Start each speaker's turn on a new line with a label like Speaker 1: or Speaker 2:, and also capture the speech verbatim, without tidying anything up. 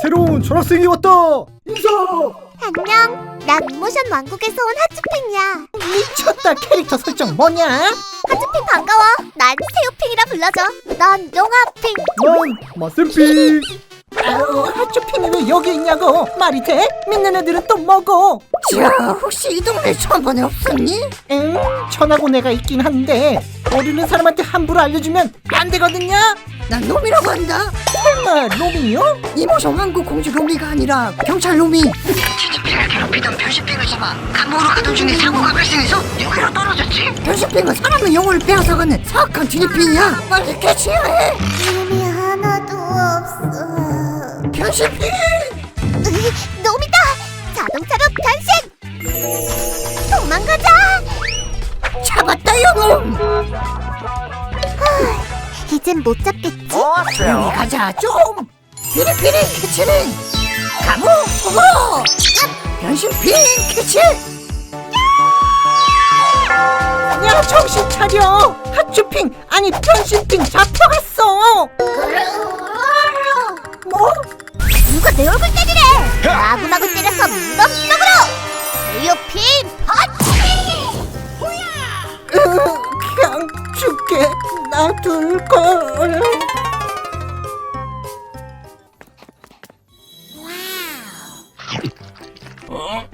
Speaker 1: 새로운 전학생이 왔다. 인사.
Speaker 2: 안녕. 난 모션 왕국에서 온 하츄핑이야.
Speaker 3: 미쳤다. 캐릭터 설정 뭐냐?
Speaker 2: 하츄핑 반가워. 난 새우핑이라 불러줘. 넌 용아핑.
Speaker 1: 난 마센핑.
Speaker 3: 아유, 하츄핑이 왜 여기 있냐고. 말이 돼? 믿는 애들은 또 뭐고? 자, 혹시 이 동네 천번에 없었니? 응, 천하고 내가 있긴 한데 모르는 사람한테 함부로 알려주면 안 되거든요. 난 놈이라고 한다. 설마 놈이요? 이모션 왕국 공주 놈이가 아니라 경찰 놈이.
Speaker 4: 티니핑을 괴롭히던 변신핑을 잡아 감옥으로 가던 중에 사고가 발생해서 여기로 떨어졌지.
Speaker 3: 변신핑은 사람의 영혼을 빼앗아가는 사악한 티니핑이야. 빨리 캐치해야 해.
Speaker 2: 이름이 하나도 없어.
Speaker 3: 변신핑!
Speaker 2: 으이, 놈이다. 자동차로 변신. 도망가자.
Speaker 3: 잡았다 요놈.
Speaker 2: 이젠 못 잡겠지?
Speaker 3: 조용히 가자 좀. 피리피리 캐치링 감옥 속으로. 변신핑 캐치. 야, 정신 차려. 하츄핑 아니 변신핑 잡혀갔어. 뭐?
Speaker 2: 누가 내 얼굴 때리래? 마구마구 때려서 무덤속으로. 새우핑 파치.
Speaker 3: 으, 그냥 죽게 놔둘걸.
Speaker 4: 어?